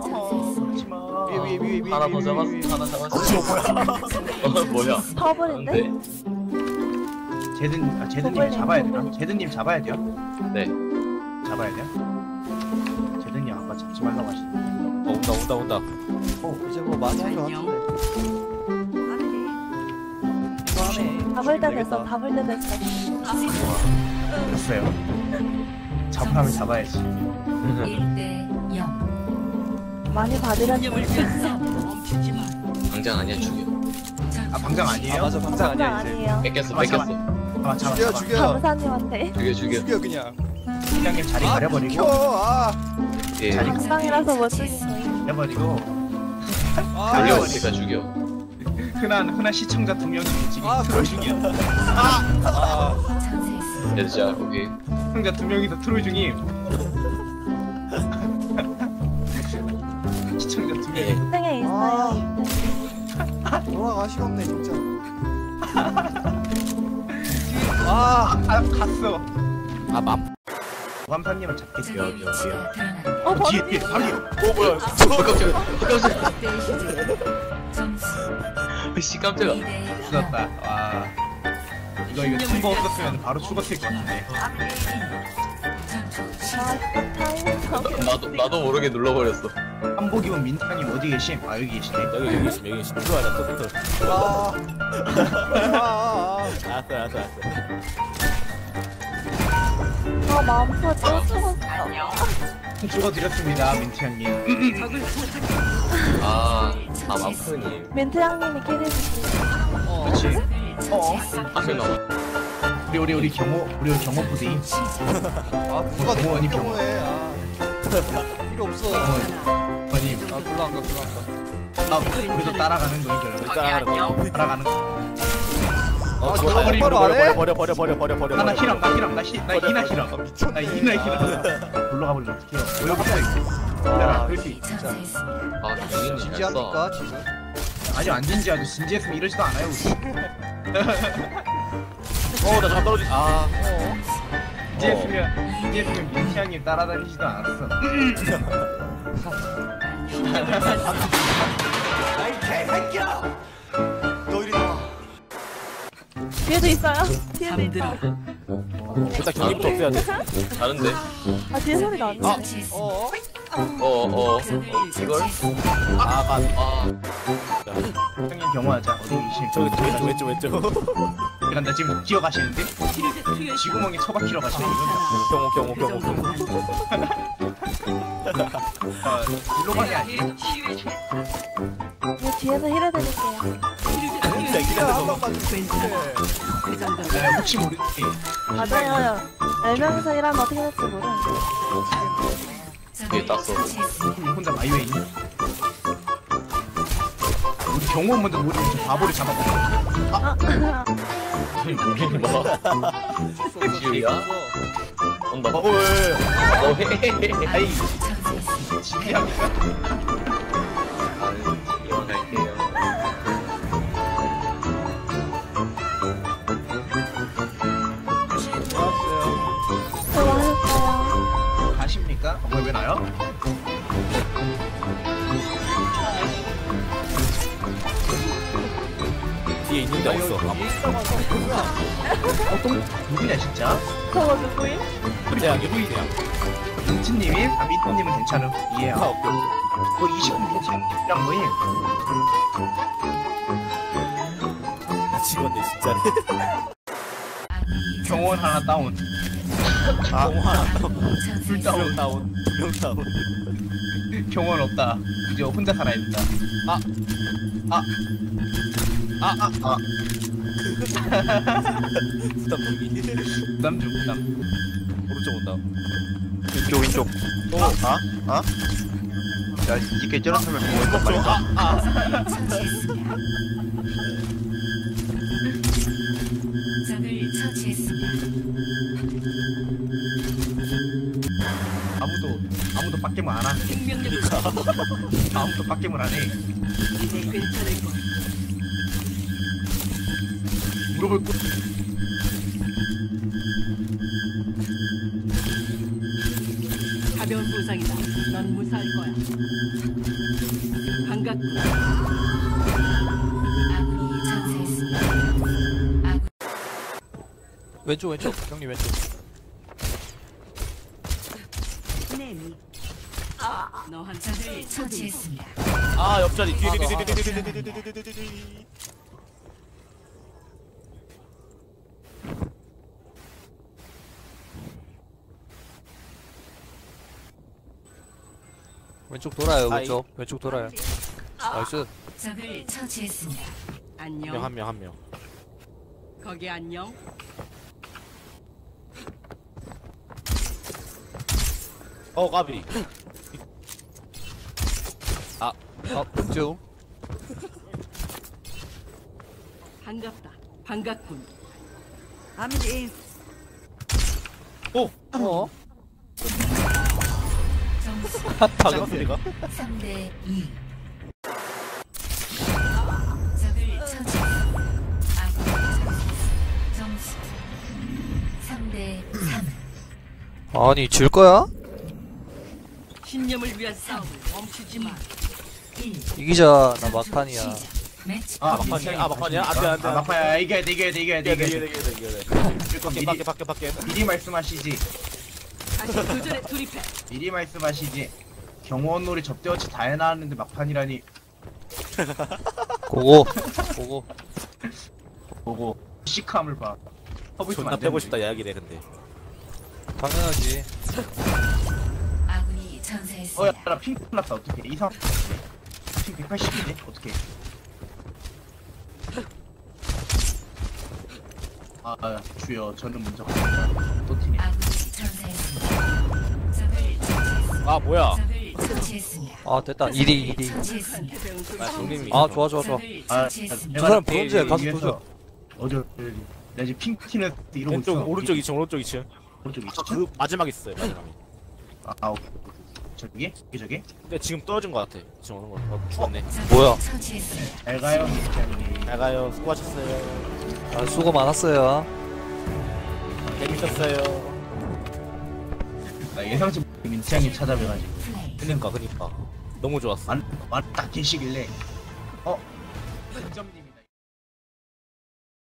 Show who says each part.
Speaker 1: 하지마.
Speaker 2: 위에
Speaker 3: 하나 더 잡았어. 하나 잡았어. 뭐야?
Speaker 4: 파워볼인데?
Speaker 1: 제드님 잡아야 되나? 제드님 잡아야 돼요?
Speaker 3: 네.
Speaker 1: 잡아야 돼요? 제드님 아까 잡지 말라고 하시는데.
Speaker 2: 온다.
Speaker 5: 이제 뭐 많이 한 거 같은데.
Speaker 4: 잡을 때 됐어, 잡을 때 됐어.
Speaker 1: 됐어요. 잡으라면 잡아야지.
Speaker 6: 1대 0.
Speaker 4: 많이 받으려니
Speaker 3: 당장 아니야 죽여.
Speaker 1: 아 방장 아니에요?
Speaker 5: 맞아, 방장 아니야 이제.
Speaker 4: 아니에요.
Speaker 3: 뺏겼어.
Speaker 1: 아 잡아.
Speaker 5: 죽여.
Speaker 4: 감사님한테.
Speaker 3: 죽여.
Speaker 5: 그냥.
Speaker 1: 팀장님 자리 가려버리고.
Speaker 3: 예.
Speaker 1: 자리
Speaker 4: 감방이라서 못 죽인 거예요.
Speaker 1: 가려버리고.
Speaker 3: 걸려오니까 죽여.
Speaker 1: 흔한 시청자 2명이 지금 트롤 중이야.
Speaker 3: 됐자. 오케이.
Speaker 1: 시청자 2명이서 트롤 중임. 시청자 2명.
Speaker 4: 등에 있어요.
Speaker 5: 돌아가시가 없네 진짜.
Speaker 1: 갔어. 완판님은 잡겠어요. 뒤에 바로.
Speaker 3: 뭐야? 깜짝이야. 씨 깜짝아.
Speaker 1: 죽었다. 와. 이거 팀버 없었으면 바로 죽었을 것 같은데.
Speaker 3: 나도 모르게 눌러버렸어.
Speaker 1: 한복이면 민타님 어디 계심? 아 여기 계시네.
Speaker 2: 여기 계시. 들어와라 또. 알았어.
Speaker 4: 마음껏 또 죽었어.
Speaker 1: 죽어드렸습니다 민트 형님.
Speaker 3: 맘프님.
Speaker 4: 민트 형님이 캐리해주세요.
Speaker 1: 그렇지.
Speaker 3: 앞에 나와.
Speaker 1: 우리 경호 부대.
Speaker 5: 누가
Speaker 1: 경호원이
Speaker 5: 경호해. 필요 없어.
Speaker 1: 경호원님.
Speaker 5: 별로 안 가.
Speaker 1: 우리도 따라가는 거인 줄 알고. 따라가는 거.
Speaker 2: 버려.
Speaker 1: 나 히랑 나 이나 히랑. 나 이나 히랑. 올라가 버리면 어떡해요? 여기 있어. 기다려. 그럴 수 있어.
Speaker 3: 정인이
Speaker 5: 진지합니까 지금?
Speaker 1: 아니요 안 진지하죠. 진지했으면 이러지도 않아요 우리.
Speaker 2: 나 잠깐 떨어지.
Speaker 1: 진지했으면 민트 형님 따라다니지도 않았어.
Speaker 5: 아이 개새끼야! 너 이리 나와.
Speaker 4: 뒤에도 있어요. 뒤에도 있어.
Speaker 2: 일단 경기부터 없애야 돼.
Speaker 3: 다른데?
Speaker 4: 아 뒤에 소리 나네.
Speaker 3: 이걸?
Speaker 1: 형님 경호하자. 어디 계심?
Speaker 2: 저기 왼쪽.
Speaker 1: 약간 나 지금 기어가시는데? 지구멍에 처박히러 가시는
Speaker 2: 경호.
Speaker 1: 일로 가게 아니에요?
Speaker 4: 이거 뒤에서 힐해드릴게요.
Speaker 5: 한 번만 주세요.
Speaker 1: 혹시 모르지?
Speaker 4: 맞아요. 4명이서 일하면 어떻게 될지 모르는데.
Speaker 3: 뒤에 땄어.
Speaker 1: 혼자 마이웨이. 우리 경호원 먼저 우리 좀 바보를 잡아봐.
Speaker 3: 뭐? 지우야? 온다.
Speaker 1: 아이 지휘합니까?
Speaker 3: 이용할게요.
Speaker 4: 수고하셨어요.
Speaker 1: 가십니까? 왜 나요?
Speaker 2: 뒤에 있는데 없어.
Speaker 1: 누구냐 진짜?
Speaker 4: 저거 누구임?
Speaker 2: 그냥.
Speaker 1: 민트님이? 아 민트님은 괜찮음. 이해야.
Speaker 2: 오케이.
Speaker 1: 뭐 20분 민트님이랑 뭐임?
Speaker 2: 미치겠네 진짜.
Speaker 1: 경호원 하나 다운.
Speaker 2: 경호 하나 다운.
Speaker 1: 둘 다운.
Speaker 2: 2명 다운.
Speaker 1: 경호원 없다. 이제 혼자 살아야 된다.
Speaker 2: 부담 여기.
Speaker 1: 부담 중 부담.
Speaker 2: 오른쪽 온다.
Speaker 7: 왼쪽. 야, 이게 저렇다면 뭐였단 말이야?
Speaker 6: 적을 처치했습니다.
Speaker 1: 아무도 빡겜을 안 하네. 아무도 빡겜을 안 해. 물어볼 거.
Speaker 8: 가벼운 부상이다. 넌 무사할 거야. 반갑군.
Speaker 6: 아군이 전사했습니다. 아군
Speaker 2: 왼쪽 형님 왼쪽.
Speaker 8: 너한
Speaker 6: 적을 처치했습니다.
Speaker 2: 아 옆자리 뒤에.
Speaker 9: 왼쪽 돌아요.
Speaker 2: 아이.
Speaker 9: 왼쪽 돌아요. 나이스.
Speaker 6: 적을 처치했습니다.
Speaker 8: 안녕.
Speaker 2: 한 명.
Speaker 8: 거기 안녕.
Speaker 2: 까비.
Speaker 9: 왼쪽.
Speaker 8: 반갑다. 반갑군.
Speaker 6: 점수
Speaker 2: 방금 소리가.
Speaker 6: 3대 2. 적을 처치했습니다. 아군이 전사했습니다. 점수 3대 3.
Speaker 9: 아니 질 거야?
Speaker 8: 신념을 위한 싸움을 멈추지 마.
Speaker 6: 1.
Speaker 9: 이기자. 나 막판이야.
Speaker 6: 매치
Speaker 1: 아
Speaker 2: 막판이야? 안돼.
Speaker 1: 아 막판이야. 이겨야 돼.
Speaker 2: 이겨야 돼. 밖에.
Speaker 1: 미리 말씀하시지.
Speaker 8: 다시 도전에 돌입해.
Speaker 1: 미리 말씀하시지. 경호원놀이 접대어치 다 해놨는데 막판이라니.
Speaker 9: 고고.
Speaker 1: 보고 시크함을 봐. 허브
Speaker 2: 존나 빼고 싶다 야기네 근데.
Speaker 9: 당연하지.
Speaker 6: 아군이 전사했습니다.
Speaker 1: 야, 나 핑크 났다. 어떡해. 이상. 핑 180이네. 어떡해. 주여, 저는 먼저 갑니다. 또 팀이.
Speaker 6: 아군이 전사했습니다. 적을 처치했습니다.
Speaker 2: 아 뭐야?
Speaker 6: 적을 처치했습니다.
Speaker 9: 아 됐다. 2대.
Speaker 6: 처치했습니다.
Speaker 2: 아 형님이.
Speaker 9: 아 좋아.
Speaker 6: 적을
Speaker 1: 아,
Speaker 6: 처치했습니다.
Speaker 9: 저 사람 브론즈야. 가서 도전.
Speaker 1: 어디, 내가 지금 핑크 팀에 이러고 있어.
Speaker 2: 왼쪽 오른쪽 2층.
Speaker 1: 오른쪽 2층.
Speaker 2: 그 마지막 있어요 마지막에.
Speaker 1: 오케이. 저기?
Speaker 2: 근데 지금 떨어진 것 같아. 지금 오는 거. 죽었네.
Speaker 6: 적을
Speaker 9: 뭐야?
Speaker 6: 처치했습니다.
Speaker 1: 잘 가요, 민창님.
Speaker 2: 잘 가요. 수고하셨어요.
Speaker 9: 아, 수고 많았어요.
Speaker 2: 재밌었어요.
Speaker 1: 나 예상치 못한 민창님 찾아뵈가지고.
Speaker 6: 플레이.
Speaker 2: 그니까. 너무 좋았어.
Speaker 1: 딱 계시길래.